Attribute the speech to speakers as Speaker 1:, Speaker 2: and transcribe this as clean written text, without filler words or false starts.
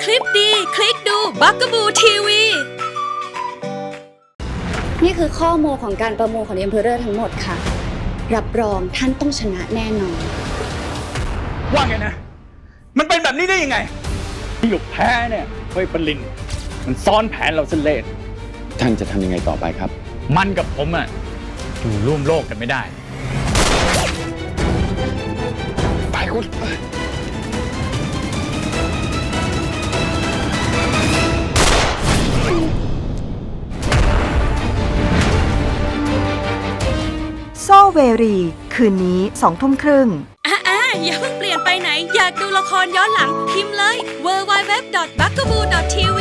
Speaker 1: ลิปดีคลิกดูบักกบูทีวี
Speaker 2: นี่คือข้อมูลของการประมูลของ The Emperor ทั้งหมดค่ะรับรองท่านต้องชนะแน่นอน
Speaker 3: ว่าไงนะมันเป็นแบบนี้ได้ยังไงที่หยกแพ้เนี่ยเฮ้ยปลินมันซ้อนแผนเราเส้นเล่ห์
Speaker 4: ท่านจะทำยังไงต่อไปครับ
Speaker 3: มันกับผมอะอยู่ร่วมโลกกันไม่ได้ไปคุณ
Speaker 5: โซเวรี คืนนี้20:30
Speaker 1: อย่าเพิ่งเปลี่ยนไปไหนอยากดูละครย้อนหลังพิมพ์เลย www.bugaboo.tv